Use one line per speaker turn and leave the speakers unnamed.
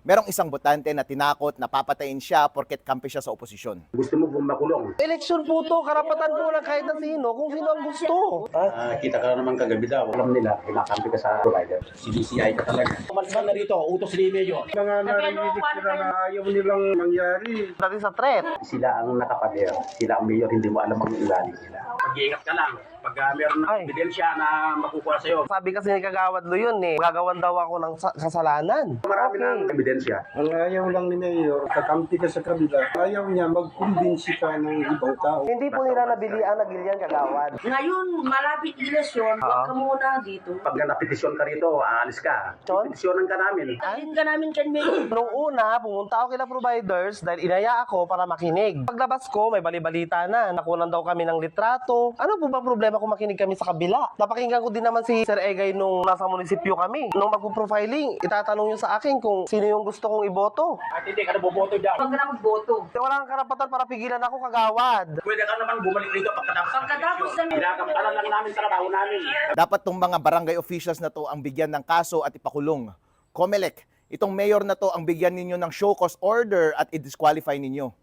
Merong isang botante na tinakot na papatayin siya porket kampi siya sa oposisyon.
Gusto mo kung makulong?
Eleksyon po to, karapatan po ng kahit na sino, kung sino ang gusto.
Kita ka naman kagabi daw. Alam nila, kinakampi ka sa provider. CBCI ka talaga. Umalis ka na rito, utos ni Mayor.
Mga narinig sila na ayaw nilang mangyari.
Dati sa threat.
Sila ang nakapader. Sila ang mayor, hindi mo alam ang ilalim nila. Mag-iingat ka lang. Pag meron na ebidensya na makukuha sa'yo.
Sabi kasi ni Kagawad Lo yun gagawan daw ako ng kasalanan.
Marami ng ebidensya.
Ang ayaw lang ni Mayor, kakampi ka sa kabila, ayaw niya magkumbinsi ka ng ibang tao.
Hindi po nila nabilian na Gillian Kagawad.
Ngayon, malapit eleksyon, huwag ka muna dito.
Pag napetisyon ka rito, aalis ka.
Chon?
Petisyonan ka namin.
Alin ka namin kay Mayor.
Nung una, pumunta ako kila providers dahil inaya ako para makinig. Paglabas ko, may balibalita na. Nakunan daw kami ng litrato. Ano po ba problema kung makinig kami sa kabila? Napakinggan ko din naman si Sir Egay nung nasa munisipyo kami. Nung magpo-profiling, itatanong niyo sa akin kung sino yung gusto kong iboto.
At hindi ka na boboto dyan.
Huwag ka na magboto.
Wala kang karapatan para pigilan ako, Kagawad.
Pwede ka naman bumalik rito
Pagkatapos ng
Ginagampanan lang namin trabaho namin.
Dapat tong mga barangay officials na to ang bigyan ng kaso at ipakulong. COMELEC, itong mayor na to ang bigyan ninyo ng show cause order at i-disqualify ninyo.